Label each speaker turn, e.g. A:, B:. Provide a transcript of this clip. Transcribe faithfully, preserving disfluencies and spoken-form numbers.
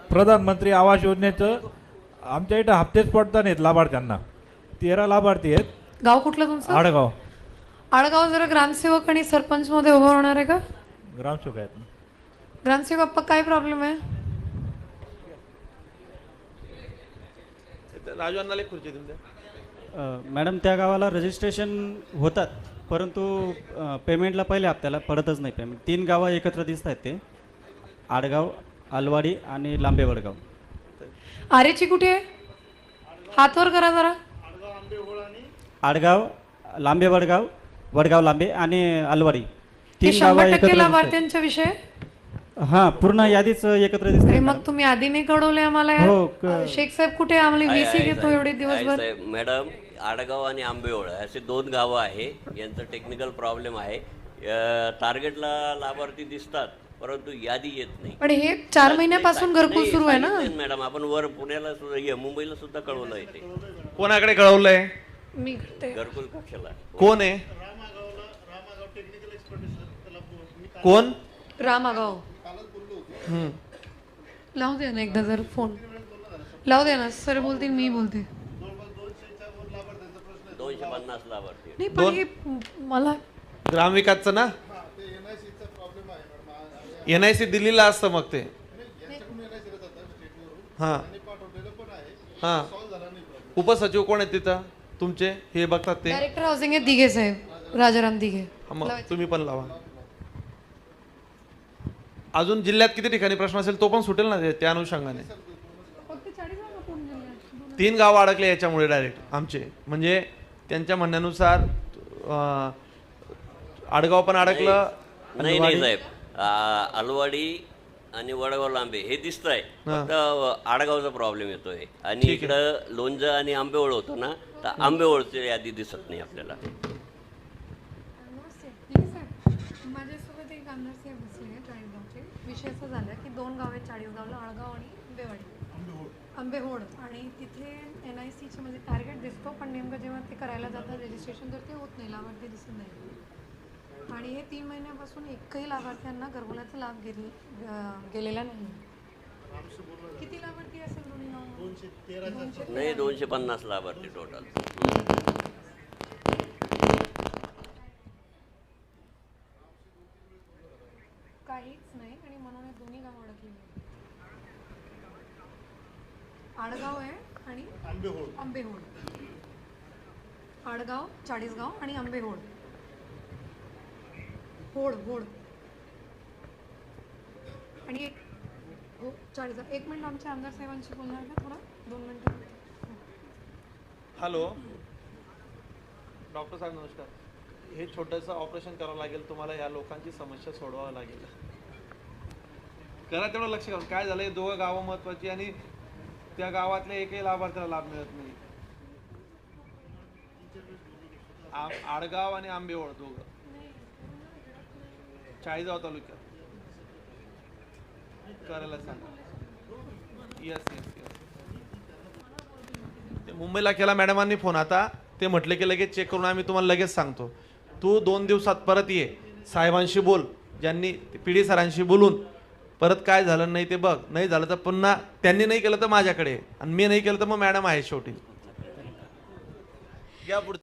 A: प्रधानमंत्री आवास योजनेचं आमच्या इथं हप्तेच पडता नाहीत लाभार्थ्यांना. तेरा लाभार्थी आहेत.
B: गाव कुठलं तुमचं?
A: आडगाव.
B: आडगाव जरा ग्रामसेवक आणि सरपंच मध्ये उभं होणार आहे का?
A: ग्रामसेवक आहेत.
B: ग्रामसेवक अप्पा काय प्रॉब्लेम आहे?
C: राजू अण्णाला एक खुर्ची देऊन द्या.
D: मॅडम त्या गावाला रजिस्ट्रेशन होतात, परंतु अ, पेमेंटला पहिल्या हप्त्याला पडतच नाही पेमेंट. तीन गावं एकत्र दिसत आहेत ते, आडगाव, अलवाडी आणि लांबे वडगाव.
B: आरेची कुठे आहे? हातवर करा जरा.
D: आडगाव, लांबे वडगाव, वडगाव लांबे आणि अलवाडी
B: हे
D: तीन गावं
B: शंभर
D: एकत्र
B: टक्के
D: दिसत
B: लाभार्थ्यांच्या विषय आहे?
D: आहेत. हा, पूर्ण यादीच एकत्र दिसते.
B: अरे मग तुम्ही आधी नाही कळवले आम्हाला यार?
D: हो, क-
B: शेख साहेब कुठे आहे? आम्हाला
E: आहे,
B: वीसी
E: आहे,
B: घेतो
E: साहेब.
B: एवढे
E: आहे,
B: दिवसभर.
E: साहेब. मॅडम, आडगाव आणि आंबेओळ असे दोन गावं आहे. यांचं टेक्निकल प्रॉब्लेम आहे. अ, टार्गेटला लाभार्थी दिसतात परंतु यादी येत नाही.
B: पण हे चार महिन्यापासून घरकुल
E: नाही,
B: सुरू आहे ना?
E: सांगितलंय मॅडम, आपण वर पुण्याला सुद्धा हे, मुंबईला सुद्धा कळवलं आहे ते
C: कोणाकडे कळवलंय?
B: मी करते.
E: घरकुल कक्षाला.
C: कोण आहे? कोण?
B: रामागाव. लावू दे ना एकदा जर फोन लावू दे ना. सर बोलतील, मी बोलते.
E: दोनशे पन्नास लाभार्थी.
B: नाही पण हे मला
C: ग्रामविकासचं ना, एन आय सी दिल्लीला असतं मग ते. हा हा उपसचिव कोण आहेत तिथं तुमचे? हे बघतात ते.
B: डायरेक्टर हाऊसिंग आहे दिघे साहेब, राजाराम दिघे.
C: हा, मग तुम्ही पण लावा. अजून जिल्ह्यात किती ठिकाणी प्रश्न असेल तो पण सुटेल ना ते- त्या अनुषंगाने. तीन गाव अडकले याच्यामुळे डायरेक्ट आमचे, म्हणजे त्यांच्या म्हणण्यानुसार अं, आडगाव पण अडकलं.
E: नाही नाही साहेब, आ, अलवाडी आणि वडगाव लांबे हे दिसत आहे. फक्त आडगावचा प्रॉब्लेम येतोय. आणि इकडं लोणचं आणि आंबेओळ होतो ना, तर आंबेओळची यादी दिसत नाही आपल्याला.
B: माझ्यासोबत एक आमदार साहेब बसले चाळीसगावचे. विषय असा झाला की दोन गाव आहेत चाळीसगावला, आळगाव आणि आंबेवाडी, आंबेहोड. आणि तिथे एन आय सीचे म्हणजे टार्गेट दिसतो, पण नेमकं जेव्हा ते करायला जातात रजिस्ट्रेशन तर ते होत नाही, लाभार्थी दिसत नाही. आणि हे तीन महिन्यापासून एकही लाभार्थ्यांना घरकुलाचा लाभ घेतला गेलेला नाही. किती लाभार्थी असेल दोन्ही गावांमध्ये?
E: नाही, दोनशे पन्नास लाभार्थी टोटल.
B: काहीच नाही आणि म्हणून हे दोन्ही गाव अडकली. आडगाव आहे आणि आंबेहोड. आंबेहोड, आडगाव, चाळीसगाव आणि आंबेहोड. होड होड आणि एक हो चाळीसगाव. एक मिनिट आमच्या आमदार साहेबांशी बोलणार का थोडा? दोन मिनिटं.
C: हॅलो डॉक्टर साहेब नमस्कार. हे छोटंसं ऑपरेशन करावं लागेल तुम्हाला. या लोकांची समस्या सोडवावं लागेल. करा तेवढं लक्ष घालून. काय झालं, हे दोघं गावं महत्वाची आणि त्या गावातल्या एकही लाभार्थ्याला लाभ मिळत नाही. आम- आडगाव आणि आंबेओळ दोघं चाळीसगाव तालुक्यात करायला सांगा. Yes yes yes. ते मुंबईला केला मॅडमांनी फोन. आता ते म्हटले की लगेच चेक करून आम्ही तुम्हाला लगेच सांगतो. तू दोन दिवसात परत ये, साहेबांशी बोल, ज्यांनी पी डी सरांशी बोलून परत काय झालं नाही ते बघ. नाही झालं तर पुन्हा त्यांनी नाही केलं तर माझ्याकडे, आणि मी नाही केलं तर मग मॅडम आहे शेवटी. या पुढे.